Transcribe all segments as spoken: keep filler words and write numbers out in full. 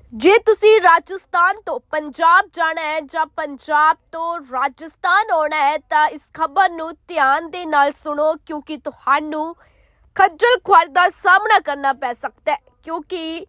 ਜੇ ਤੁਸੀਂ ਰਾਜਸਥਾਨ ਤੋਂ ਪੰਜਾਬ ਜਾਣਾ ਹੈ ਜਾਂ ਪੰਜਾਬ ਤੋਂ ਰਾਜਸਥਾਨ ਆਉਣਾ ਹੈ ਤਾਂ ਇਸ ਖਬਰ ਨੂੰ ਧਿਆਨ ਦੇ ਨਾਲ ਸੁਣੋ, ਕਿਉਂਕਿ ਤੁਹਾਨੂੰ ਖੱਜਲ ਖੁਆਰੀ ਦਾ ਸਾਹਮਣਾ ਕਰਨਾ ਪੈ ਸਕਦਾ ਹੈ। ਕਿਉਂਕਿ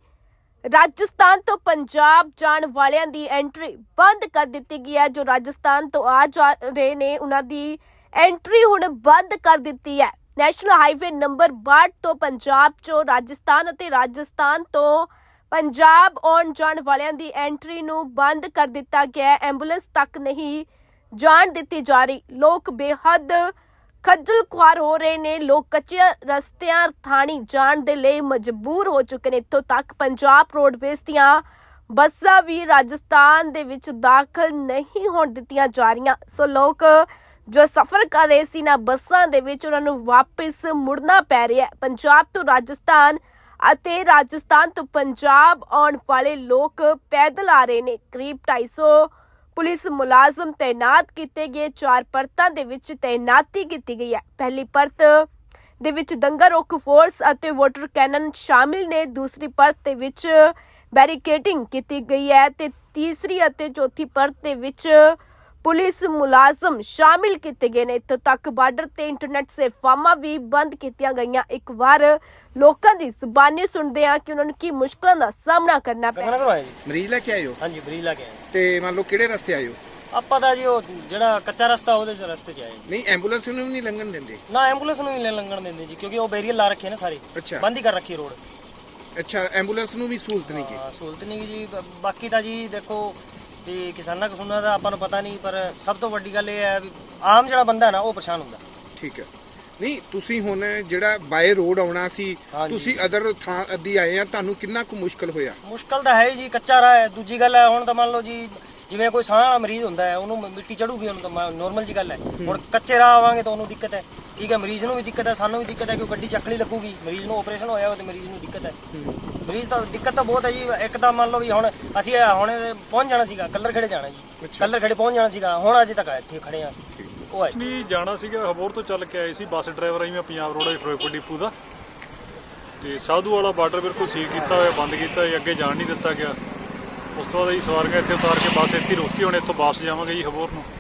ਰਾਜਸਥਾਨ ਤੋਂ ਪੰਜਾਬ ਜਾਣ ਵਾਲਿਆਂ ਦੀ ਐਂਟਰੀ ਬੰਦ ਕਰ ਦਿੱਤੀ ਗਈ ਹੈ। ਜੋ ਰਾਜਸਥਾਨ ਤੋਂ ਆ ਜਾ ਰਹੇ ਨੇ ਉਹਨਾਂ ਦੀ ਐਂਟਰੀ ਹੁਣ ਬੰਦ ਕਰ ਦਿੱਤੀ ਹੈ। ਨੈਸ਼ਨਲ ਹਾਈਵੇ ਨੰਬਰ ਬਾਹਠ ਤੋਂ ਪੰਜਾਬ ਚੋਂ ਰਾਜਸਥਾਨ ਅਤੇ ਰਾਜਸਥਾਨ ਤੋਂ ਪੰਜਾਬ ਆਉਣ ਜਾਣ ਵਾਲਿਆਂ ਦੀ ਐਂਟਰੀ ਨੂੰ ਬੰਦ ਕਰ ਦਿੱਤਾ ਗਿਆ ਹੈ। ਐਂਬੂਲੈਂਸ ਤੱਕ ਨਹੀਂ ਜਾਣ ਦਿੱਤੀ ਜਾ ਰਹੀ। ਲੋਕ ਬੇਹੱਦ ਖੱਜਲ ਖੁਆਰ ਹੋ ਰਹੇ ਨੇ। ਲੋਕ ਕੱਚੇ ਰਸਤਿਆਂ ਥਾਣੀ ਜਾਣ ਦੇ ਲਈ ਮਜਬੂਰ ਹੋ ਚੁੱਕੇ ਨੇ। ਇੱਥੋਂ ਤੱਕ ਪੰਜਾਬ ਰੋਡਵੇਜ਼ ਦੀਆਂ ਬੱਸਾਂ ਵੀ ਰਾਜਸਥਾਨ ਦੇ ਵਿੱਚ ਦਾਖਲ ਨਹੀਂ ਹੋਣ ਦਿੱਤੀਆਂ ਜਾ ਰਹੀਆਂ। ਸੋ ਲੋਕ ਜੋ ਸਫ਼ਰ ਕਰ ਰਹੇ ਸੀ ਨਾ ਬੱਸਾਂ ਦੇ ਵਿੱਚ, ਉਹਨਾਂ ਨੂੰ ਵਾਪਿਸ ਮੁੜਨਾ ਪੈ ਰਿਹਾ ਹੈ। ਪੰਜਾਬ ਤੋਂ ਰਾਜਸਥਾਨ ਅਤੇ ਰਾਜਸਥਾਨ ਤੋਂ ਪੰਜਾਬ ਆਉਣ ਵਾਲੇ ਲੋਕ ਪੈਦਲ ਆ ਰਹੇ ਨੇ। ਕਰੀਬ ਢਾਈ ਸੌ ਪੁਲਿਸ ਮੁਲਾਜ਼ਮ ਤੈਨਾਤ ਕੀਤੇ ਗਏ। ਚਾਰ ਪਰਤਾਂ ਦੇ ਵਿੱਚ ਤੈਨਾਤੀ ਕੀਤੀ ਗਈ ਹੈ। ਪਹਿਲੀ ਪਰਤ ਦੇ ਵਿੱਚ ਦੰਗਾ ਰੋਕ ਫੋਰਸ ਅਤੇ ਵਾਟਰ ਕੈਨਨ ਸ਼ਾਮਿਲ ਨੇ। ਦੂਸਰੀ ਪਰਤ ਦੇ ਵਿੱਚ ਬੈਰੀਕੇਡਿੰਗ ਕੀਤੀ ਗਈ ਹੈ ਤੇ ਤੀਸਰੀ ਅਤੇ ਚੌਥੀ ਪਰਤ ਦੇ ਵਿੱਚ ਪੁਲਿਸ ਮੁਲਾਜ਼ਮ ਸ਼ਾਮਿਲ ਕੀਤੇ ਗਏ ਨੇ। ਇੱਥੋਂ ਤੱਕ ਬਾਰਡਰ ਤੇ ਇੰਟਰਨੈਟ ਸੇਵਾਵਾਂ ਵੀ ਬੰਦ ਕੀਤੀਆਂ ਗਈਆਂ। ਇੱਕ ਵਾਰ ਲੋਕਾਂ ਦੀ ਜ਼ੁਬਾਨੀ ਸੁਣਦੇ ਆ ਕਿ ਉਹਨਾਂ ਨੂੰ ਕੀ ਮੁਸ਼ਕਲਾਂ ਦਾ ਸਾਹਮਣਾ ਕਰਨਾ ਪਿਆ। ਮਰੀਜ਼ ਲੈ ਕੇ ਆਇਓ? ਹਾਂਜੀ, ਮਰੀਜ਼ ਲੈ ਕੇ ਆਏ। ਤੇ ਮੰਨ ਲਓ ਕਿਹੜੇ ਰਸਤੇ ਆਇਓ? ਆਪਾਂ ਤਾਂ ਜੀ ਉਹ ਜਿਹੜਾ ਕੱਚਾ ਰਸਤਾ ਉਹਦੇ ਚ ਰਸਤੇ ਚ ਆਏ ਜੀ। ਨਹੀਂ, ਐਂਬੂਲੈਂਸ ਨੂੰ ਵੀ ਨਹੀਂ ਲੰਘਣ ਦਿੰਦੇ? ਨਾ, ਐਂਬੂਲੈਂਸ ਨੂੰ ਵੀ ਨਹੀਂ ਲੰਘਣ ਦਿੰਦੇ ਜੀ, ਕਿਉਂਕਿ ਉਹ ਬੈਰੀਅਰ ਲਾ ਰੱਖੇ ਨੇ ਸਾਰੇ। ਅੱਛਾ, ਬੰਦ ਹੀ ਕਰ ਰੱਖੀ ਰੋਡ। ਅੱਛਾ, ਐਂਬੂਲੈਂਸ ਨੂੰ ਵੀ ਸਹੂਲਤ ਨਹੀਂ ਕੀ? ਹਾਂ, ਸਹੂਲਤ ਨਹੀਂ ਜੀ। ਬ- ਬਾਕੀ ਤਾਂ ਜੀ ਦੇਖੋ ਵੀ ਕਿਸਾਨਾਂ ਕਸੂਨਾਂ ਦਾ ਆਪਾਂ ਨੂੰ ਪਤਾ ਨਹੀਂ, ਪਰ ਸਭ ਤੋਂ ਵੱਡੀ ਗੱਲ ਇਹ ਹੈ ਵੀ ਆਮ ਜਿਹੜਾ ਬੰਦਾ ਹੈ ਨਾ ਉਹ ਪਰੇਸ਼ਾਨ ਹੁੰਦਾ। ਠੀਕ ਹੈ। ਨਹੀਂ, ਤੁਸੀਂ ਹੁਣ ਜਿਹੜਾ ਬਾਏ ਰੋਡ ਆਉਣਾ ਸੀ, ਹਾਂਜੀ। ਤੁਸੀਂ ਅਦਰ ਥਾਂ ਅੱਦੀ ਆਏ ਆ, ਤੁਹਾਨੂੰ ਕਿੰਨਾ ਕੁ ਮੁਸ਼ਕਲ ਹੋਇਆ? ਮੁਸ਼ਕਲ ਤਾਂ ਹੈ ਹੀ ਜੀ, ਕੱਚਾ ਰਾਹ ਹੈ। ਦੂਜੀ ਗੱਲ ਹੈ, ਹੁਣ ਤਾਂ ਮੰਨ ਲਓ ਜੀ ਜਿਵੇਂ ਕੋਈ ਸਾਹ ਵਾਲਾ ਮਰੀਜ਼ ਹੁੰਦਾ ਹੈ, ਉਹਨੂੰ ਮਿੱਟੀ ਚੜੂਗੀ, ਉਹਨੂੰ ਤਾਂ ਨੋਰਮਲ ਜੀ ਗੱਲ ਹੈ। ਹੁਣ ਕੱਚੇ ਰਾਹ ਆਵਾਂਗੇ ਤਾਂ ਉਹਨੂੰ ਦਿੱਕਤ ਹੈ। ਠੀਕ ਹੈ, ਮਰੀਜ਼ ਨੂੰ ਵੀ ਦਿੱਕਤ ਹੈ, ਸਾਨੂੰ ਵੀ ਦਿੱਕਤ ਹੈ, ਕਿਉਂਕਿ ਗੱਡੀ ਚੱਕਣੀ ਲੱਗੂਗੀ। ਮਰੀਜ਼ ਨੂੰ ਆਪਰੇਸ਼ਨ ਹੋਇਆ ਤੇ ਮਰੀਜ਼ ਨੂੰ ਦਿੱਕਤ ਹੈ। ਮਰੀਜ਼ ਤਾਂ ਦਿੱਕਤ ਤਾਂ ਬਹੁਤ ਹੈ ਜੀ। ਇੱਕ ਤਾਂ ਮੰਨ ਲਓ ਵੀ ਹੁਣ ਅਸੀਂ ਹੁਣ ਪਹੁੰਚ ਜਾਣਾ ਸੀਗਾ, ਕੱਲਰ ਖੇੜੇ ਜਾਣਾ ਜੀ, ਕੱਲਰ ਖੇੜੇ ਪਹੁੰਚ ਜਾਣਾ ਸੀਗਾ। ਹੁਣ ਅਜੇ ਤੱਕ ਇੱਥੇ ਖੜੇ ਆ ਅਸੀਂ। ਉਹ ਹੈ ਨਹੀਂ, ਜਾਣਾ ਸੀਗਾ ਹਬੋਰ ਤੋਂ ਚੱਲ ਕੇ ਆਏ ਸੀ। ਬੱਸ ਡਰਾਈਵਰ ਆਈ ਮੈਂ ਪੰਜਾਬ ਰੋਡ ਫਿਰੋਜ਼ਪੁਰ ਡਿਪੂ ਦਾ, ਤੇ ਸਾਧੂ ਵਾਲਾ ਬਾਰਡਰ ਬਿਲਕੁਲ ਸੀਲ ਕੀਤਾ ਹੋਇਆ, ਬੰਦ ਕੀਤਾ ਹੋਇਆ, ਅੱਗੇ ਜਾਣ ਨਹੀਂ ਦਿੱਤਾ ਗਿਆ। ਉਸ ਤੋਂ ਬਾਅਦ ਅਸੀਂ ਸਵਾਰੀਆਂ ਇੱਥੇ ਉਤਾਰ ਕੇ ਬੱਸ ਇੱਥੇ ਰੋਕੀ। ਹੁਣ ਇੱਥੋਂ ਵਾਪਸ ਜਾਵਾਂਗੇ ਜੀ ਹਬੋਰ ਨੂੰ।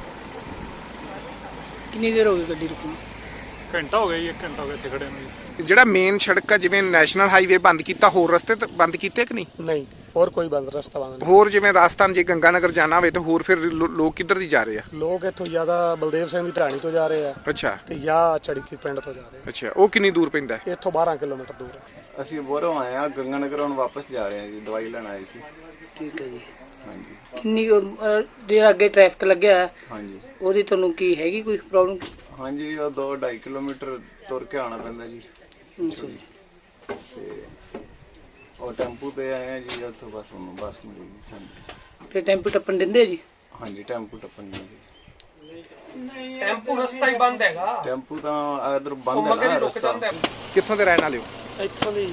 ਕਿੰਨੀ ਦੇਰ ਹੋ ਗਈ ਗੱਡੀ ਰੁਕੀ? ਘੰਟਾ ਹੋ ਗਿਆ ਜੀ, ਇੱਕ ਘੰਟਾ ਹੋ ਗਿਆ ਇੱਥੇ ਖੜੇ ਨੂੰ ਜੀ। ਜਿਹੜਾ ਮੇਨ ਸੜਕ ਆ, ਜਿਵੇਂ ਨੈਸ਼ਨਲ ਹਾਈਵੇ ਬੰਦ ਕੀਤਾ, ਹੋਰ ਰਸਤੇ ਤਾਂ ਬੰਦ ਕੀਤੇ ਕਿ ਨਹੀਂ? ਨਹੀਂ, ਹੋਰ ਕੋਈ ਬੰਦ ਰਸਤਾ ਬੰਦ ਨਹੀਂ। ਹੋਰ ਜਿਵੇਂ ਰਾਜਸਥਾਨ ਜੇ ਗੰਗਾਨਗਰ ਜਾਣਾ ਹੋਵੇ ਤਾਂ ਹੋਰ ਫਿਰ ਲੋ- ਲੋਕ ਕਿੱਧਰ ਦੀ ਜਾ ਰਹੇ ਆ? ਲੋਕ ਇੱਥੋਂ ਜ਼ਿਆਦਾ ਬਲਦੇਵ ਸਿੰਘ ਦੀ ਢਾਣੀ ਤੋਂ ਜਾ ਰਹੇ ਆ ਅੱਛਾ, ਤੇ ਜਾਂ ਚੜੀਕੀ ਪਿੰਡ ਤੋਂ ਜਾ ਰਹੇ ਅੱਛਾ। ਉਹ ਕਿੰਨੀ ਦੂਰ ਪੈਂਦਾ ਹੈ? ਆ। ਇੱਥੋਂ ਬਾਰਾਂ ਕਿਲੋਮੀਟਰ ਦੂਰ ਹੈ। ਅਸੀਂ ਬੋਰੋਂ ਆਏ ਆ, ਗੰਗਾਨਗਰ ਹੁਣ ਵਾਪਸ ਜਾ ਰਹੇ ਆ ਜੀ, ਦਵਾਈ ਲੈਣ ਆਏ ਸੀ। ਠੀਕ ਹੈ ਜੀ। ਹਾਂਜੀ ਕਿੰਨੀ ਕੁ, ਅਹ, ਜਿਹੜਾ ਅੱਗੇ ਟ੍ਰੈਫਿਕ ਲੱਗਿਆ ਹੈ, ਹਾਂਜੀ ਉਹਦੀ ਤੁਹਾਨੂੰ ਕੀ ਹੈਗੀ ਕੋਈ ਪ੍ਰੋਬਲਮ? ਹਾਂਜੀ, ਉਹ ਦੋ ਢਾਈ ਕਿਲੋਮੀਟਰ ਤੁਰ ਕੇ ਆਉਣਾ ਪੈਂਦਾ ਜੀ। ਅੱਛਾ ਜੀ। ਤੇ ਉਹ ਟੈਂਪੂ ਤੇ ਆਏ ਆ ਜੀ, ਉੱਥੋਂ ਬਸ ਉਹਨੂੰ ਬੱਸ ਮਿਲੇਗੀ ਸਾਨੂੰ। ਤੇ ਟੈਂਪੂ ਟੱਪਣ ਦਿੰਦੇ ਆ ਜੀ? ਹਾਂਜੀ, ਟੈਂਪੂ ਟੱਪਣ ਜੀ। ਟੈਂਪੂ ਰਸਤਾ ਹੀ ਬੰਦ ਹੈਗਾ। ਟੈਂਪੂ ਤਾਂ ਇਧਰ ਬੰਦ ਹੈ ਨਾ ਰਸਤਾ। ਕਿੱਥੋਂ ਦੇ ਰਹਿਣ ਵਾਲੇ ਹੋ? ਇੱਥੋਂ ਦੀ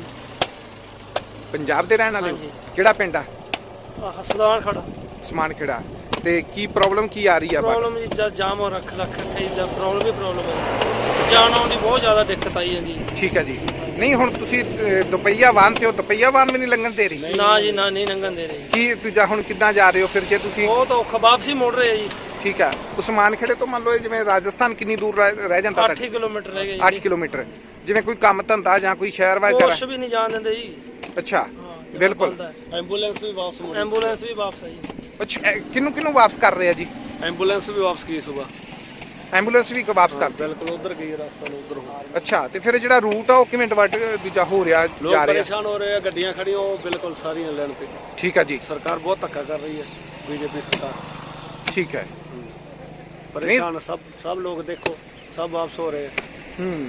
ਪੰਜਾਬ ਦੇ ਰਹਿਣ ਵਾਲੇ ਹੋ? ਕਿਹੜਾ ਪਿੰਡ ਆ? ਹਸਪਤਾਲ ਖੜਾ ਸਮਾਨ ਖੇੜਾ। ਤੇ ਕੀ ਪ੍ਰੋਬਲਮ ਕੀ ਆ ਰਹੀ ਆ? ਪ੍ਰੋਬਲਮ ਜੀ ਜਦ ਜਾਮ ਹੋ ਰੱਖ ਰੱਖ ਰੱਖੇ ਜਾਂ ਪ੍ਰੋਬਲਮ ਹੀ ਪ੍ਰੋਬਲਮ ਹੈ। ਜਾਣ ਆਉਣ ਦੀ ਬਹੁਤ ਜ਼ਿਆਦਾ ਦਿੱਕਤ ਆਈ ਜਾਂਦੀ। ਠੀਕ ਹੈ ਜੀ। ਨਹੀਂ, ਹੁਣ ਤੁਸੀਂ ਅਹ, ਦੁਪਹੀਆ ਵਾਹਨ ਤੇ ਹੋ, ਦੁਪਹੀਆ ਵਾਹਨ ਵੀ ਨਹੀਂ ਲੰਘਣ ਦੇ ਰਹੀ? ਨਾ ਜੀ, ਨਾ, ਨਹੀਂ ਲੰਘਣ ਦੇ ਰਹੇ। ਕੀ ਦੂਜਾ ਹੁਣ ਕਿੱਦਾਂ ਜਾ ਰਹੇ ਹੋ ਫਿਰ ਜੇ ਤੁਸੀਂ? ਬਹੁਤ ਔਖਾ, ਵਾਪਸੀ ਮੁੜ ਰਹੇ ਆ ਜੀ। ਠੀਕ ਹੈ। ਉਸਮਾਨ ਖੇੜੇ ਤੋਂ ਮੰਨ ਲਓ ਜਿਵੇਂ ਰਾਜਸਥਾਨ ਕਿੰਨੀ ਦੂਰ ਰਹਿ ਰਹਿ ਜਾਂਦਾ? ਅੱਠ ਕਿਲੋਮੀਟਰ ਰਹਿ ਗਏ ਅੱਠ ਕਿਲੋਮੀਟਰ। ਜਿਵੇਂ ਕੋਈ ਕੰਮ ਧੰਦਾ ਜਾਂ ਕੋਈ ਸ਼ਹਿਰ ਵਾਜ ਕੁਛ ਵੀ ਨਹੀਂ ਜਾਣ ਦਿੰਦੇ ਜੀ। ਅੱਛਾ, ਬਿਲਕੁਲ। ਐਂਬੂਲੈਂਸ ਵੀ ਵਾਪਸ ਮੁੜੀ। ਐਂਬੂਲੈਂਸ ਵੀ ਵਾਪਸ ਆਈ। ਅੱਛਾ, ਕਿਹਨੂੰ ਕਿਹਨੂੰ ਵਾਪਸ ਕਰ ਰਹੇ ਆ ਜੀ? ਐਂਬੂਲੈਂਸ ਵੀ ਵਾਪਸ ਗਈ ਸਵੇਰ। ਐਂਬੂਲੈਂਸ ਵੀ ਵਾਪਸ ਕਰ? ਬਿਲਕੁਲ ਉਧਰ ਗਈ, ਰਸਤਾ ਨੂੰ ਉਧਰ ਹੋ। ਅੱਛਾ, ਤੇ ਫਿਰ ਜਿਹੜਾ ਰੂਟ ਆ ਉਹ ਕਿਵੇਂ ਡਿਵਾਈਡ ਦੂਜਾ ਹੋ ਰਿਹਾ ਲੋਕ ਜਾ ਰਿਹਾ? ਪਰੇਸ਼ਾਨ ਹੋ ਰਹੇ ਆ, ਗੱਡੀਆਂ ਖੜੀਆਂ ਉਹ ਬਿਲਕੁਲ ਸਾਰੀਆਂ ਲੈਣ ਤੇ। ਠੀਕ ਹੈ ਜੀ। ਸਰਕਾਰ ਬਹੁਤ ਧੱਕਾ ਕਰ ਰਹੀ ਹੈ, ਬੀਜੇਪੀ ਸਰਕਾਰ। ਠੀਕ ਹੈ। ਪਰੇਸ਼ਾਨ ਸਭ ਸਭ ਲੋਕ ਦੇਖੋ, ਸਭ ਵਾਪਸ ਹੋ ਰਹੇ ਆ। ਹੂੰ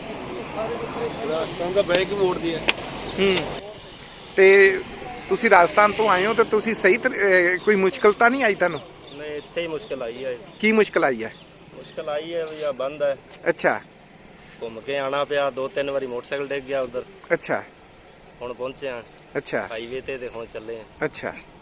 ਰਾਜਸਥਾਨ ਦਾ ਬੈਗ ਹੀ ਮੋੜਦੀ ਹੈ। ਹੂੰ ਤੇ ਤੁਸੀਂ ਰਾਜਸਥਾਨ ਤੋਂ ਆਏ ਹੋ ਤੇ ਤੁਸੀਂ ਸਹੀ ਤਰ- ਅਹ, ਕੋਈ ਮੁਸ਼ਕਲ ਤਾਂ ਨਹੀਂ ਆਈ ਤੁਹਾਨੂੰ? ਨਹੀਂ, ਇੱਥੇ ਹੀ ਮੁਸ਼ਕਲ ਆਈ ਹੈ। ਕੀ ਮੁਸ਼ਕਲ ਆਈ ਹੈ? ਮੁਸ਼ਕਲ ਆਈ ਹੈ ਵੀ ਆ ਬੰਦ ਹੈ। ਅੱਛਾ ਘੁੰਮ ਕੇ ਆਣਾ ਪਿਆ, ਦੋ ਤਿੰਨ ਵਾਰੀ ਮੋਟਰਸਾਈਕਲ ਡਿੱਗ ਗਿਆ ਉਧਰ। ਅੱਛਾ ਹੁਣ ਪਹੁੰਚੇ ਆ ਅੱਛਾ ਹਾਈਵੇ ਤੇ ਤੇ ਹੁਣ ਚੱਲੇ ਆ। ਅੱਛਾ।